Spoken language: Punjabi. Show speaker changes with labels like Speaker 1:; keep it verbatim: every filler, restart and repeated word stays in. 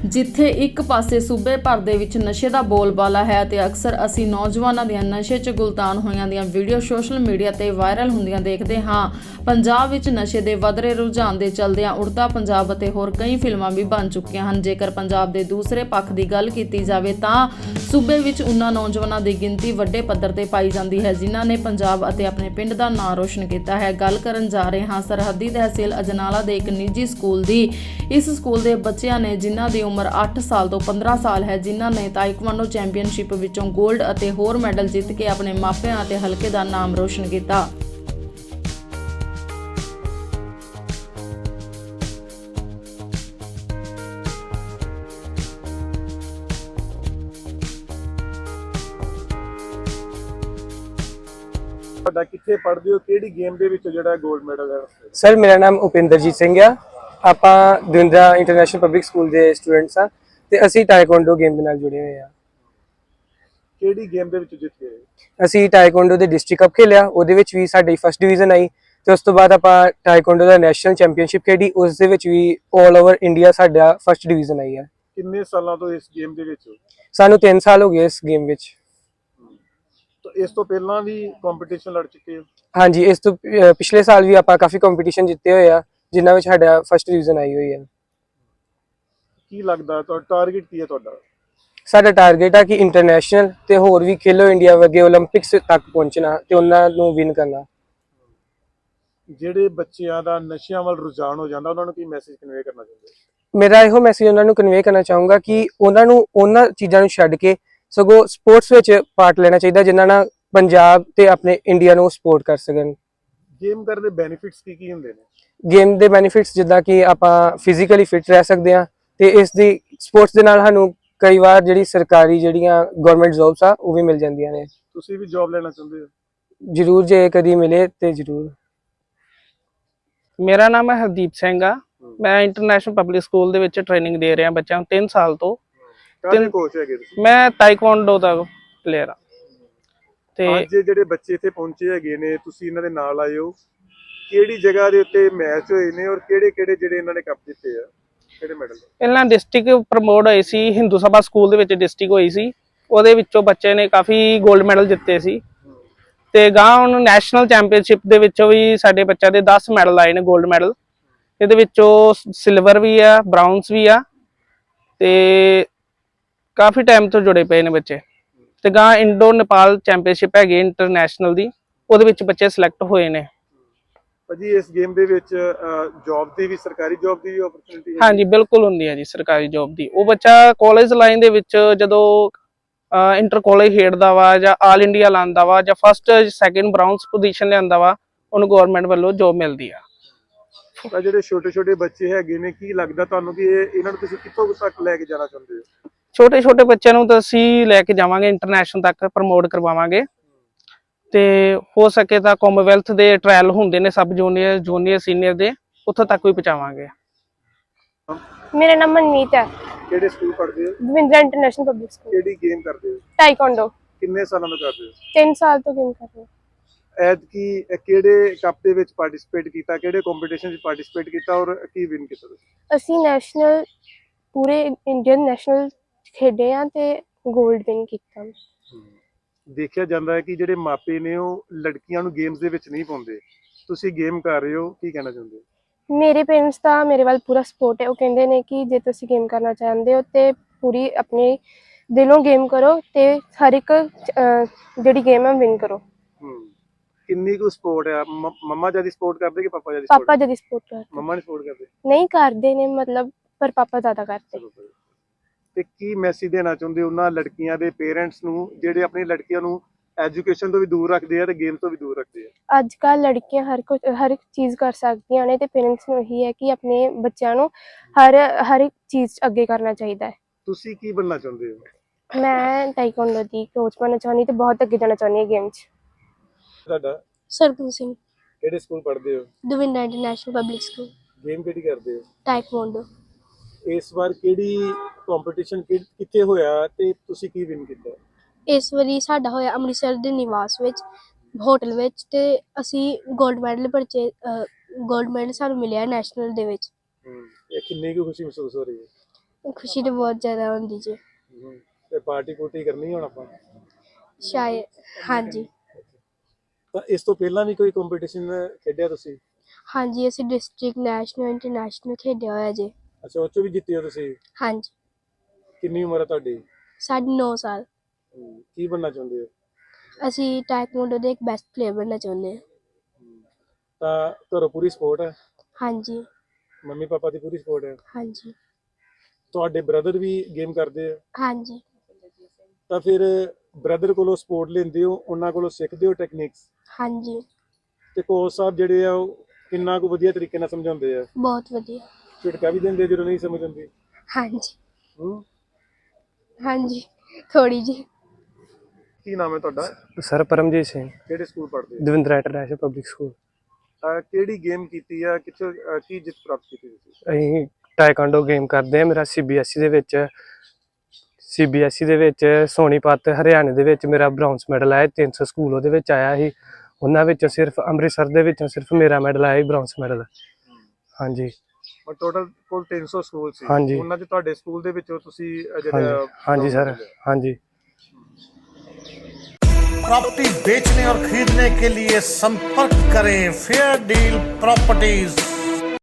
Speaker 1: ਜਿੱਥੇ ਇੱਕ ਪਾਸੇ ਸੂਬੇ ਭਰ ਦੇ ਵਿੱਚ ਨਸ਼ੇ ਦਾ ਬੋਲਬਾਲਾ ਹੈ ਤੇ ਅਕਸਰ ਅਸੀਂ ਨੌਜਵਾਨਾਂ ਦੀਆਂ ਨਸ਼ੇ 'ਚ ਗੁਲਤਾਨ ਹੋਈਆਂ ਦੀਆਂ ਵੀਡੀਓ ਸੋਸ਼ਲ ਮੀਡੀਆ ਤੇ ਵਾਇਰਲ ਹੁੰਦੀਆਂ ਦੇਖਦੇ ਹਾਂ। ਪੰਜਾਬ ਵਿੱਚ ਨਸ਼ੇ ਦੇ ਵਧ ਰਹੇ ਰੁਝਾਨ ਦੇ ਚੱਲਦਿਆਂ ਉੜਤਾ ਪੰਜਾਬ ਅਤੇ ਹੋਰ ਕਈ ਫਿਲਮਾਂ ਵੀ ਬਣ ਚੁੱਕੀਆਂ ਹਨ। ਜੇਕਰ ਪੰਜਾਬ ਦੇ ਦੂਸਰੇ ਪੱਖ ਦੀ ਗੱਲ ਕੀਤੀ ਜਾਵੇ ਤਾਂ ਸੂਬੇ ਵਿੱਚ ਉਨ੍ਹਾਂ ਨੌਜਵਾਨਾਂ ਦੀ ਗਿਣਤੀ ਵੱਡੇ ਪੱਧਰ ਤੇ ਪਾਈ ਜਾਂਦੀ ਹੈ ਜਿਨ੍ਹਾਂ ਨੇ ਪੰਜਾਬ ਅਤੇ ਆਪਣੇ ਪਿੰਡ ਦਾ ਨਾਂ ਰੋਸ਼ਨ ਕੀਤਾ ਹੈ। ਗੱਲ ਕਰਨ ਜਾ ਰਹੇ ਹਾਂ ਸਰਹੱਦੀ ਤਹਿਸੀਲ ਅਜਨਾਲਾ ਦੇ ਇੱਕ ਨਿੱਜੀ ਸਕੂਲ ਦੀ। ਇਸ ਸਕੂਲ ਦੇ ਬੱਚਿਆਂ ਨੇ ਜਿਨ੍ਹਾਂ ਦੀ ਉਮਰ ਅੱਠ ਸਾਲ ਤੋਂ ਪੰਦਰਾਂ ਸਾਲ ਹੈ, ਜਿਨ੍ਹਾਂ ਨੇ ਤਾਇਕਵਾਂਡੋ ਚੈਂਪੀਅਨਸ਼ਿਪ ਵਿੱਚੋਂ ਗੋਲਡ ਅਤੇ ਹੋਰ ਮੈਡਲ ਜਿੱਤ ਕੇ ਆਪਣੇ ਮਾਪਿਆਂ ਅਤੇ ਹਲਕੇ ਦਾ ਨਾਮ ਰੋਸ਼ਨ ਕੀਤਾ।
Speaker 2: ਤੁਹਾਡਾ ਕਿੱਥੇ ਪੜ੍ਹਦੇ ਹੋ, ਕਿਹੜੀ ਗੇਮ ਦੇ ਵਿੱਚ ਜਿਹੜਾ 골ਡ ਮੈਡਲ ਹੈ?
Speaker 3: ਸਰ ਮੇਰਾ ਨਾਮ ਉਪਿੰਦਰਜੀਤ ਸਿੰਘ ਆ। ਆਪਾਂ ਦਵਿੰਦਰਾ ਇੰਟਰਨੈਸ਼ਨਲ ਪਬਲਿਕ ਸਕੂਲ ਦੇ ਸਟੂਡੈਂਟਸ ਆ ਤੇ ਅਸੀਂ ਟਾਈਕਵਾਂਡੋ ਗੇਮ ਦੇ ਨਾਲ ਜੁੜੇ ਹੋਏ ਆ।
Speaker 2: ਕਿਹੜੀ ਗੇਮ ਦੇ ਵਿੱਚ ਜਿੱਤ ਗਏ?
Speaker 3: ਅਸੀਂ ਟਾਈਕਵਾਂਡੋ ਦੇ ਡਿਸਟ੍ਰਿਕਟ ਕੱਪ ਖੇਲਿਆ, ਉਹਦੇ ਵਿੱਚ ਵੀ ਸਾਡੀ ਫਸਟ ਡਿਵੀਜ਼ਨ ਆਈ ਤੇ ਉਸ ਤੋਂ ਬਾਅਦ ਆਪਾਂ ਟਾਈਕਵਾਂਡੋ ਦਾ ਨੈਸ਼ਨਲ ਚੈਂਪੀਅਨਸ਼ਿਪ ਖੇਡੀ, ਉਸ ਦੇ ਵਿੱਚ ਵੀ 올 ਓਵਰ ਇੰਡੀਆ ਸਾਡਾ ਫਸਟ ਡਿਵੀਜ਼ਨ ਆਈ ਆ।
Speaker 2: ਕਿੰਨੇ ਸਾਲਾਂ ਤੋਂ ਇਸ ਗੇਮ ਦੇ ਵਿੱਚ ਹੋ?
Speaker 3: ਸਾਨੂੰ ਤਿੰਨ ਸਾਲ ਹੋ ਗਏ ਇਸ ਗੇਮ ਵਿੱਚ।
Speaker 2: ਤਾਂ ਇਸ ਤੋਂ ਪਹਿਲਾਂ ਵੀ ਕੰਪੀਟੀਸ਼ਨ ਲੜ ਚੁੱਕੇ ਹੋ?
Speaker 3: ਹਾਂਜੀ, ਇਸ ਤੋਂ ਅਹ ਪਿਛਲੇ ਸਾਲ ਵੀ ਆਪਾਂ ਕਾਫੀ ਕੰਪੀਟੀਸ਼ਨ ਜਿੱਤੇ ਹੋਏ ਆ ਜਿਨ੍ਹਾਂ ਵਿੱਚ ਸਾਡਾ ਫਸਟ ਡਿਵੀਜ਼ਨ ਆਈ ਹੋਈ ਆ।
Speaker 2: ਕੀ ਲੱਗਦਾ ਤੁਹਾਡਾ ਟਾਰਗੇਟ ਕੀ ਹੈ ਤੁਹਾਡਾ?
Speaker 3: ਸਾਡਾ ਟਾਰਗੇਟ ਆ ਕਿ ਇੰਟਰਨੈਸ਼ਨਲ ਤੇ ਹੋਰ ਵੀ ਖੇਲੋ ਇੰਡੀਆ ਵਰਗੇ 올림픽ਸ ਤੱਕ ਪਹੁੰਚਣਾ ਤੇ ਉਹਨਾਂ ਨੂੰ ਵਿਨ ਕਰਨਾ।
Speaker 2: ਜਿਹੜੇ ਬੱਚਿਆਂ ਦਾ ਨਸ਼ਿਆਂ ਵੱਲ ਰੁਝਾਨ ਹੋ ਜਾਂਦਾ ਉਹਨਾਂ ਨੂੰ ਕੀ ਮੈਸੇਜ ਕਨਵੇ ਕਰਨਾ ਚਾਹੁੰਦੇ ਹੋ?
Speaker 3: ਮੇਰਾ ਇਹੋ ਮੈਸੇਜ ਉਹਨਾਂ ਨੂੰ ਕਨਵੇ ਕਰਨਾ ਚਾਹੂੰਗਾ ਕਿ ਉਹਨਾਂ ਨੂੰ ਉਹਨਾਂ ਚੀਜ਼ਾਂ ਨੂੰ ਛੱਡ ਕੇ ਸਗੋਂ ਸਪੋਰਟਸ ਵਿੱਚ ਪਾਰਟ ਲੈਣਾ ਚਾਹੀਦਾ ਜਿਨ੍ਹਾਂ ਨਾਲ ਪੰਜਾਬ ਤੇ ਆਪਣੇ ਇੰਡੀਆ ਨੂੰ ਸਪੋਰਟ ਕਰ ਸਕਣ।
Speaker 2: ਗੇਮ ਕਰਨ ਦੇ ਬੈਨੀਫਿਟਸ ਕੀ ਕੀ ਹੁੰਦੇ ਨੇ?
Speaker 3: ਗੇਮ ਦੇ ਬੈਨੀਫਿਟਸ ਜਿੱਦਾਂ ਕਿ ਆਪਾਂ ਫਿਜ਼ੀਕਲੀ ਫਿਟ ਰਹਿ ਸਕਦੇ ਹਾਂ ਤੇ ਇਸ ਦੀ ਸਪੋਰਟਸ ਦੇ ਨਾਲ ਸਾਨੂੰ ਕਈ ਵਾਰ ਜਿਹੜੀ ਸਰਕਾਰੀ ਜਿਹੜੀਆਂ ਗਵਰਨਮੈਂਟ ਜੌਬਸ ਆ ਉਹ ਵੀ ਮਿਲ ਜਾਂਦੀਆਂ ਨੇ।
Speaker 2: ਤੁਸੀਂ ਵੀ ਜੌਬ ਲੈਣਾ ਚਾਹੁੰਦੇ ਹੋ?
Speaker 3: ਜ਼ਰੂਰ, ਜੇ ਕਦੀ ਮਿਲੇ ਤੇ ਜ਼ਰੂਰ।
Speaker 4: ਮੇਰਾ ਨਾਮ ਹੈ ਹਰਦੀਪ ਸਿੰਘ ਆ। ਮੈਂ ਇੰਟਰਨੈਸ਼ਨਲ ਪਬਲਿਕ ਸਕੂਲ ਦੇ ਵਿੱਚ ਟ੍ਰੇਨਿੰਗ ਦੇ ਰਿਹਾ ਬੱਚਿਆਂ ਨੂੰ ਤਿੰਨ ਸਾਲ ਤੋਂ।
Speaker 2: ਕਾਹਦੇ ਕੋਚ ਹੈਗੇ ਤੁਸੀਂ?
Speaker 4: ਮੈਂ ਤਾਈਕਵਾਂਡੋ ਦਾ ਪਲੇਅਰ ਆ। ਤੇ
Speaker 2: ਅੱਜ ਜਿਹੜੇ ਬੱਚੇ ਇੱਥੇ ਪਹੁੰਚੇ ਹੈਗੇ ਨੇ, ਤੁਸੀਂ ਇਹਨਾਂ ਦੇ ਨਾਲ ਆਏ ਹੋ, ਕਿਹੜੀ ਜਗ੍ਹਾ ਦੇ ਉੱਤੇ ਮੈਚ ਹੋਏ ਨੇ ਔਰ ਕਿਹੜੇ ਕਿਹੜੇ ਜਿਹੜੇ ਇਹਨਾਂ ਨੇ ਕੱਪ ਜਿੱਤੇ ਆ, ਕਿਹੜੇ ਮੈਡਲ?
Speaker 4: ਪਹਿਲਾਂ ਡਿਸਟ੍ਰਿਕਟ ਪ੍ਰਮੋਟ ਹੋਈ ਸੀ, ਹਿੰਦੂ ਸਭਾ ਸਕੂਲ ਦੇ ਵਿੱਚ ਡਿਸਟ੍ਰਿਕਟ ਹੋਈ ਸੀ, ਉਹਦੇ ਵਿੱਚੋਂ ਬੱਚੇ ਨੇ ਕਾਫੀ 골ਡ ਮੈਡਲ ਜਿੱਤੇ ਸੀ। ਤੇ ਗਾਂ ਹੁਣ ਨੈਸ਼ਨਲ ਚੈਂਪੀਅਨਸ਼ਿਪ ਦੇ ਵਿੱਚੋਂ ਵੀ ਸਾਡੇ ਬੱਚਿਆਂ ਦੇ ਦਸ ਮੈਡਲ ਆਏ ਨੇ 골ਡ ਮੈਡਲ। ਇਹਦੇ ਵਿੱਚੋਂ ਸਿਲਵਰ ਵੀ ਆ, ਬ੍ਰਾਊਨਸ ਵੀ ਆ ਤੇ ਕਾਫੀ ਟਾਈਮ ਤੋਂ ਜੁੜੇ ਪਏ ਨੇ ਬੱਚੇ। ਤੇ ਗਾਂ ਇੰਡੋ ਨੇਪਾਲ ਚੈਂਪੀਅਨਸ਼ਿਪ ਹੈਗੀ ਇੰਟਰਨੈਸ਼ਨਲ ਦੀ, ਉਹਦੇ ਵਿੱਚ ਬੱਚੇ ਸਿਲੈਕਟ ਹੋਏ ਨੇ।
Speaker 2: ਭਾਜੀ ਇਸ ਗੇਮ ਦੇ ਵਿੱਚ ਜੌਬ ਦੀ ਵੀ, ਸਰਕਾਰੀ ਜੌਬ ਦੀ ਵੀ ਓਪਰਚੁਨਿਟੀ ਹੈ?
Speaker 4: ਹਾਂਜੀ ਬਿਲਕੁਲ ਹੁੰਦੀ ਹੈ ਜੀ ਸਰਕਾਰੀ ਜੌਬ ਦੀ। ਉਹ ਬੱਚਾ ਕਾਲਜ ਲਾਈਨ ਦੇ ਵਿੱਚ ਜਦੋਂ ਇੰਟਰ ਕਾਲਜ ਖੇਡਦਾ ਵਾ ਜਾਂ ਆਲ ਇੰਡੀਆ ਲਾਉਂਦਾ ਵਾ ਜਾਂ ਫਸਟ ਸੈਕਿੰਡ ਬ੍ਰਾਊਨਸ ਪੋਜੀਸ਼ਨ ਲਿਆਂਦਾ ਵਾ, ਉਹਨੂੰ ਗਵਰਨਮੈਂਟ ਵੱਲੋਂ ਜੌਬ ਮਿਲਦੀ ਆ।
Speaker 2: ਤਾਂ ਜਿਹੜੇ ਛੋਟੇ ਛੋਟੇ ਬੱਚੇ ਹੈਗੇ ਨੇ, ਕੀ ਲੱਗਦਾ ਤੁਹਾਨੂੰ ਕਿ ਇਹ ਇਹਨਾਂ ਨੂੰ ਤੁਸੀਂ ਕਿੱਥੋਂ ਤੱਕ ਲੈ ਕੇ ਜਾਣਾ ਚਾਹੁੰਦੇ ਹੋ?
Speaker 4: ਛੋਟੇ ਛੋਟੇ ਬੱਚਿਆਂ ਨੂੰ ਤਾਂ ਅਸੀਂ ਲੈ ਕੇ ਜਾਵਾਂਗੇ, ਇੰਟਰਨੈਸ਼ਨਲ ਤੱਕ ਪ੍ਰਮੋਟ ਕਰਵਾਵਾਂਗੇ ਤੇ ਹੋ ਸਕੇ ਤਾਂ ਕਾਮਨਵੈਲਥ ਦੇ ਟ੍ਰਾਇਲ ਹੁੰਦੇ ਨੇ ਸਬ ਜੂਨੀਅਰ ਜੂਨੀਅਰ ਸੀਨੀਅਰ ਦੇ, ਉੱਥੋਂ ਤੱਕ ਵੀ ਪਹੁੰਚਾਵਾਂਗੇ।
Speaker 5: ਮੇਰਾ ਨਾਮ ਮਨਮੀਤ ਹੈ।
Speaker 2: ਕਿਹੜੇ ਸਕੂਲ ਪੜ੍ਹਦੇ ਹੋ?
Speaker 5: Davindra international public school.
Speaker 2: ਕਿਹੜੀ ਗੇਮ ਕਰਦੇ ਹੋ?
Speaker 5: ਟਾਈਕਵਾਂਡੋ।
Speaker 2: ਕਿੰਨੇ ਸਾਲਾਂ ਤੋਂ ਕਰਦੇ ਹੋ?
Speaker 5: ਤਿੰਨ ਸਾਲ ਤੋਂ ਗੇਮ ਕਰ ਰਹੀ ਹਾਂ।
Speaker 2: ਐਤਕੀ ਕਿਹੜੇ ਕੱਪ ਦੇ ਵਿੱਚ ਪਾਰਟਿਸਿਪੇਟ ਕੀਤਾ, ਕਿਹੜੇ ਕੰਪੀਟੀਸ਼ਨ ਵਿੱਚ ਪਾਰਟਿਸਿਪੇਟ ਕੀਤਾ ਔਰ ਕੀ ਵਿਨ ਕੀਤਾ ਤੁਸੀਂ?
Speaker 5: ਅਸੀਂ ਨੈਸ਼ਨਲ ਪੂਰੇ ਇੰਡੀਅਨ ਨੈਸ਼ਨਲ ਖੇਡੇ ਆ ਤੇ 골ਡ ਵਿਨ ਕੀਤਾ।
Speaker 2: ਦੇਖਿਆ ਜਾਂਦਾ ਹੈ ਕਿ ਜਿਹੜੇ ਮਾਪੇ ਨੇ ਉਹ ਲੜਕੀਆਂ ਨੂੰ ਗੇਮਸ ਦੇ ਵਿੱਚ ਨਹੀਂ ਪਾਉਂਦੇ, ਤੁਸੀਂ ਗੇਮ ਕਰ ਰਹੇ ਹੋ, ਕੀ ਕਹਿਣਾ ਚਾਹੁੰਦੇ ਹੋ?
Speaker 5: ਮੇਰੇ ਪੇਰੈਂਟਸ ਦਾ ਮੇਰੇ ਵੱਲ ਪੂਰਾ ਸਪੋਰਟ ਹੈ। ਉਹ ਕਹਿੰਦੇ ਨੇ ਕਿ ਜੇ ਤੁਸੀਂ ਗੇਮ ਕਰਨਾ ਚਾਹੁੰਦੇ ਹੋ ਤੇ ਪੂਰੀ ਆਪਣੇ ਦਿਲੋਂ ਗੇਮ ਕਰੋ ਤੇ ਹਰ ਇੱਕ ਜਿਹੜੀ ਗੇਮ ਹੈ ਵਿਨ ਕਰੋ।
Speaker 2: ਹੂੰ, ਕਿੰਨੀ ਕੁ ਸਪੋਰਟ ਹੈ? ਮੰਮਾ ਜਿਆਦਾ ਸਪੋਰਟ ਕਰਦੇ ਕਿ ਪਾਪਾ ਜਿਆਦਾ?
Speaker 5: ਪਾਪਾ ਜਦੀ ਸਪੋਰਟ ਕਰਦੇ।
Speaker 2: ਮੰਮਾ ਨੇ ਸਪੋਰਟ ਕਰਦੇ?
Speaker 5: ਨਹੀਂ ਕਰਦੇ ਨੇ ਮਤਲਬ, ਪਰ ਪਾਪਾ ਜ਼ਿਆਦਾ ਕਰਦੇ।
Speaker 2: ਤੇ ਕੀ ਮੈਸੇਜ ਦੇਣਾ ਚਾਹੁੰਦੇ ਉਹਨਾਂ ਲੜਕੀਆਂ ਦੇ ਪੇਰੈਂਟਸ ਨੂੰ ਜਿਹੜੇ ਆਪਣੀ ਲੜਕੀਆਂ ਨੂੰ ਐਜੂਕੇਸ਼ਨ ਤੋਂ ਵੀ ਦੂਰ ਰੱਖਦੇ ਆ ਤੇ ਗੇਮ ਤੋਂ ਵੀ ਦੂਰ ਰੱਖਦੇ ਆ?
Speaker 5: ਅੱਜ ਕੱਲ੍ਹ ਲੜਕੀਆਂ ਹਰ ਕੁਝ ਹਰ ਇੱਕ ਚੀਜ਼ ਕਰ ਸਕਦੀਆਂ ਨੇ ਤੇ ਪੇਰੈਂਟਸ ਨੂੰ ਇਹੀ ਹੈ ਕਿ ਆਪਣੇ ਬੱਚਿਆਂ ਨੂੰ ਹਰ ਹਰ ਇੱਕ ਚੀਜ਼ 'ਚ ਅੱਗੇ ਕਰਨਾ ਚਾਹੀਦਾ ਹੈ।
Speaker 2: ਤੁਸੀਂ ਕੀ ਬਣਨਾ ਚਾਹੁੰਦੇ ਹੋ?
Speaker 5: ਮੈਂ ਟਾਈਕਵਾਂਡੋ ਦੀ ਕੋਚ ਬਣਨਾ ਚਾਹੁੰਦੀ ਤੇ ਬਹੁਤ ਅੱਗੇ ਜਾਣਾ ਚਾਹੁੰਦੀ ਹਾਂ ਗੇਮ 'ਚ।
Speaker 2: ਤੁਹਾਡਾ?
Speaker 6: ਸਰਗੁਣ ਸਿੰਘ।
Speaker 2: ਕਿਹੜੇ ਸਕੂਲ ਪੜ੍ਹਦੇ ਹੋ?
Speaker 6: Davindra international public school.
Speaker 2: Game ਕਿਹੜੀ ਕਰਦੇ ਹੋ?
Speaker 6: ਟਾਈਕਵਾਂਡੋ।
Speaker 2: ਇਸ ਵਾਰ ਕਿਹੜੀ ਕੰਪੀਟੀਸ਼ਨ ਕਿੱਥੇ ਹੋਇਆ ਤੇ ਤੁਸੀਂ ਕੀ ਵਿਨ ਕੀਤਾ?
Speaker 6: ਇਸ ਵਾਰੀ ਸਾਡਾ ਹੋਇਆ ਅੰਮ੍ਰਿਤਸਰ ਦੇ ਨਿਵਾਸ ਵਿੱਚ ਹੋਟਲ ਵਿੱਚ ਤੇ ਅਸੀਂ 골ਡ ਮੈਡਲ ਪਰਚੇ 골ਡ ਮੈਡਲ ਸਾਨੂੰ ਮਿਲਿਆ ਨੈਸ਼ਨਲ ਦੇ ਵਿੱਚ।
Speaker 2: ਹੂੰ, ਇਹ ਕਿੰਨੀ ਕੁ ਖੁਸ਼ੀ ਮਹਿਸੂਸ ਹੋ ਰਹੀ ਹੈ?
Speaker 6: ਖੁਸ਼ੀ ਤਾਂ ਬਹੁਤ ਜ਼ਿਆਦਾ ਹੁੰਦੀ ਜੀ।
Speaker 2: ਤੇ ਪਾਰਟੀ ਪੂਰਟੀ ਕਰਨੀ ਹੁਣ ਆਪਾਂ?
Speaker 6: ਸ਼ਾਇਦ ਹਾਂਜੀ
Speaker 2: ਤਾਂ ਇਸ ਤੋਂ ਪਹਿਲਾਂ ਵੀ ਕੋਈ ਕੰਪੀਟੀਸ਼ਨ ਖੇਡਿਆ ਤੁਸੀਂ?
Speaker 6: ਹਾਂਜੀ ਅਸੀਂ ਡਿਸਟ੍ਰਿਕਟ ਨੈਸ਼ਨਲ ਇੰਟਰਨੈਸ਼ਨਲ ਖੇਡਿਆ ਹੋਇਆ ਜੀ।
Speaker 2: ਅੱਛਾ, ਉਹ 'ਚੋਂ ਵੀ ਜਿੱਤੇ ਹੋ ਤੁਸੀਂ?
Speaker 6: ਹਾਂਜੀ
Speaker 2: ਕਿੰਨੀ ਉਮਰ ਹੈ ਤੁਹਾਡੀ?
Speaker 6: ਸਾਢੇ ਨੌ ਸਾਲ।
Speaker 2: ਹਮ, ਕੀ ਬਣਨਾ ਚਾਹੁੰਦੇ ਹੋ?
Speaker 6: ਅਸੀਂ ਟਾਈਕਵਾਂਡੋ ਦੇ ਇੱਕ ਬੈਸਟ ਪਲੇਅਰ ਬਣਨਾ ਚਾਹੁੰਦੇ ਹਾਂ।
Speaker 2: ਤਾਂ ਘਰੋਂ ਪੂਰੀ ਸਪੋਰਟ ਹੈ?
Speaker 6: ਹਾਂਜੀ
Speaker 2: ਮੰਮੀ ਪਾਪਾ ਦੀ ਪੂਰੀ ਸਪੋਰਟ ਹੈ?
Speaker 6: ਹਾਂਜੀ
Speaker 2: ਤੁਹਾਡੇ ਬ੍ਰਦਰ ਵੀ ਗੇਮ ਕਰਦੇ ਆ?
Speaker 6: ਹਾਂਜੀ
Speaker 2: ਤਾਂ ਫਿਰ ਬ੍ਰਦਰ ਕੋਲੋਂ ਸਪੋਰਟ ਲੈਂਦੇ ਹੋ, ਉਹਨਾਂ ਕੋਲੋਂ ਸਿੱਖਦੇ ਹੋ ਟੈਕਨੀਕਸ?
Speaker 6: ਹਾਂਜੀ
Speaker 2: ਤੇ ਕੋਚ ਸਾਹਿਬ ਜਿਹੜੇ ਆ ਉਹ ਕਿੰਨਾ ਕੁ ਵਧੀਆ ਤਰੀਕੇ ਨਾਲ ਸਮਝਾਉਂਦੇ ਆ?
Speaker 6: ਬਹੁਤ ਵਧੀਆ।
Speaker 2: ਝਿੜਕਾ ਵੀ ਦਿੰਦੇ ਜਦੋਂ ਨਹੀਂ ਸਮਝ ਆਉਂਦੀ?
Speaker 6: ਹਾਂਜੀ
Speaker 2: ਹੂੰ।
Speaker 6: ਹਾਂਜੀ ਥੋੜੀ ਜੀ।
Speaker 2: ਕੀ ਨਾਮ ਹੈ ਤੁਹਾਡਾ?
Speaker 3: ਸਰ ਪਰਮਜੀਤ ਸਿੰਘ,
Speaker 2: ਕਿਹੜੇ ਸਕੂਲ ਪੜ੍ਹਦੇ ਹੋ?
Speaker 3: Davinder international public school.
Speaker 2: ਅਹ ਕਿਹੜੀ ਗੇਮ ਕੀਤੀ ਆ, ਕਿੱਥੋਂ ਅਹ ਕੀ ਜਿੱਤ ਪ੍ਰਾਪਤ ਕੀਤੀ ਤੁਸੀਂ?
Speaker 3: ਅਸੀਂ ਟਾਈਕਾਂਡੋ ਗੇਮ ਕਰਦੇ ਹਾਂ। ਮੇਰਾ ਸੀਬੀਐਸਈ ਦੇ ਵਿੱਚ ਸੀਬੀਐਸਈ ਦੇ ਵਿੱਚ ਸੋਨੀਪਤ ਹਰਿਆਣੇ ਦੇ ਵਿੱਚ ਮੇਰਾ ਬ੍ਰੌਂਜ਼ ਮੈਡਲ ਆਇਆ। ਤਿੰਨ ਸੌ ਸਕੂਲ ਉਹਦੇ ਵਿੱਚ ਆਇਆ ਸੀ, ਉਹਨਾਂ ਵਿੱਚੋਂ ਸਿਰਫ ਅੰਮ੍ਰਿਤਸਰ ਦੇ ਵਿੱਚੋਂ ਸਿਰਫ ਮੇਰਾ ਮੈਡਲ ਆਇਆ ਸੀ, ਬ੍ਰੌਂਜ਼ ਮੈਡਲ। ਹਾਂਜੀ
Speaker 2: ਟੋਟਲ ਕੋਲ ਤਿੰਨ ਸੌ ਸਕੂਲ ਸੀ,
Speaker 3: ਹਾਂਜੀ।
Speaker 2: ਉਹਨਾਂ 'ਚ ਤੁਹਾਡੇ ਸਕੂਲ ਦੇ ਵਿੱਚੋਂ ਤੁਸੀਂ ਅਹ
Speaker 3: ਹਾਂਜੀ
Speaker 2: ਜਿਹੜਾ
Speaker 3: ਹਾਂਜੀ ਸਰ, ਹਾਂਜੀ।
Speaker 7: प्रॉपर्टी बेचने और खरीदने के लिए संपर्क करें फेयर डील प्रॉपर्टीज।